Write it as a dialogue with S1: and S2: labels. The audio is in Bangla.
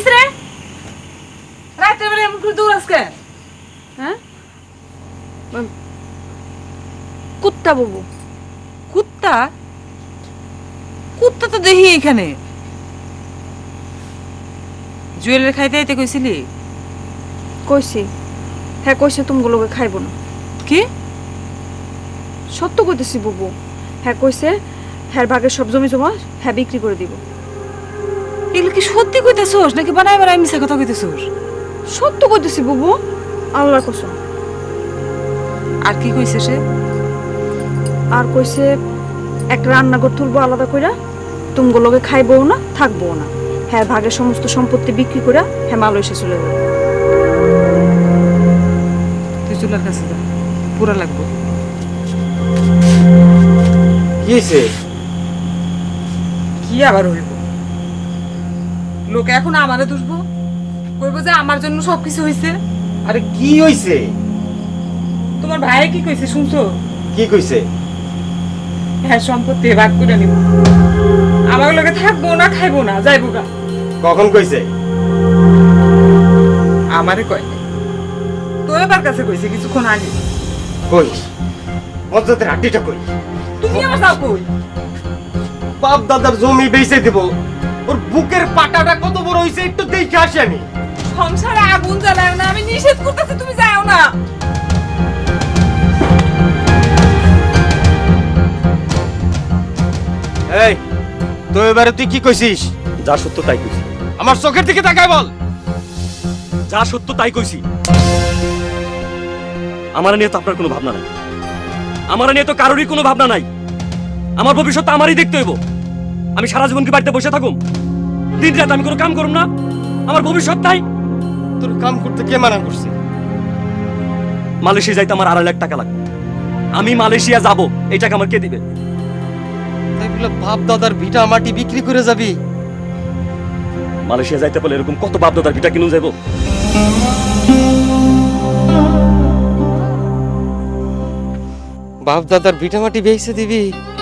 S1: কিস রে রাতে বেলা এমন করে দৌড়াস কে?
S2: হ্যাঁ কুত্তা বাবু।
S1: কুত্তা? কুত্তা তো দেখি এখানে। জুয়েলের খাইতে আইতে কইছিলি?
S2: কইছি। হ্যাঁ কইছে তুমগুলোকে খাইব না।
S1: কি?
S2: সত্য কইতেছি বাবু। হ্যাঁ কইছে হ্যাঁ ভাগের সব জমি জমা হ্যাঁ বিক্রি করে দিব।
S1: এগুলো কি সত্যি কইতেছোস নাকি বানাই বানাই মিছা কথা কইতেছোস?
S2: সত্য কইতেছি বাবু, আল্লাহর কসম।
S1: আর কি কইছে সে?
S2: আর কইছে একটা রান্নাঘর তুলবো আলাদা কইরা, তুমগুলোকে খাইবও না থাকবও না। হ্যাঁ ভাগের সমস্ত সম্পত্তি বিক্রি করে হ্যাঁ মালয়েশিয়া চলে যাবে।
S1: তুই চুলার কাছে যা, পুরা লাগবো।
S3: কি হয়েছে?
S1: কি আবার হইব? লোকে এখন আমারে দুষবো, কইবো যে আমার জন্য সবকিছু হইছে।
S3: আরে কি হয়েছে?
S1: তোমার ভাই কি কইছে শুনছো?
S3: কি কইছে?
S1: হ্যাঁ সম্পত্তি ভাগ করে নিব, আমার লোকে থাকবো না খাইবো না যাইবো গা।
S3: কখন কইছে?
S1: আমারে কয় নাই, তো এবার কাছে কইছে কিছুক্ষণ আগে।
S3: কই মজ্জাতের হাড্ডিটা কই?
S1: তুমি আমার যাও কই?
S3: বাপ দাদার জমি বেচে দেব, ওর বুকের পাটাটা কত বড় হইছে একটু দেখে আসি আমি।
S1: সংসারে আগুন জ্বালায় না, আমি নিষেধ করতেছি, তুমি যাও না।
S3: এই তো এবারে তুই কি কইছিস?
S4: যা সত্য তাই কইছি।
S3: আমার চোখের দিকে তাকায় বল।
S4: যা সত্য তাই কইছি। আমার নিয়ে তো আপনার কোনো ভাবনা নাই, আমার নিয়ে তো কারোরই কোনো ভাবনা নাই। আমার ভবিষ্যৎ তো আমারই দেখতে হইব। আমি সারা জীবন কি বাড়িতে বসে থাকুম? দিন রাত আমি কোনো কাম করুম না? আমার ভবিষ্যৎ নাই।
S3: তোর কাম করতে কে মানা করছে?
S4: মালয়েশিয়া যাইতে আমার 2.5 লাখ টাকা লাগবে। আমি মালয়েশিয়া যাব, এই টাকা আমার কে দিবে?
S3: তাই বলে বাপ দাদার ভিটা মাটি বিক্রি করে যাবি?
S4: মালয়েশিয়া যাইতে বলে এরকম কত বাপ দাদার ভিটা কিনুম যাইব?
S3: বাপ দাদার ভিটা মাটি বেচে দিবি?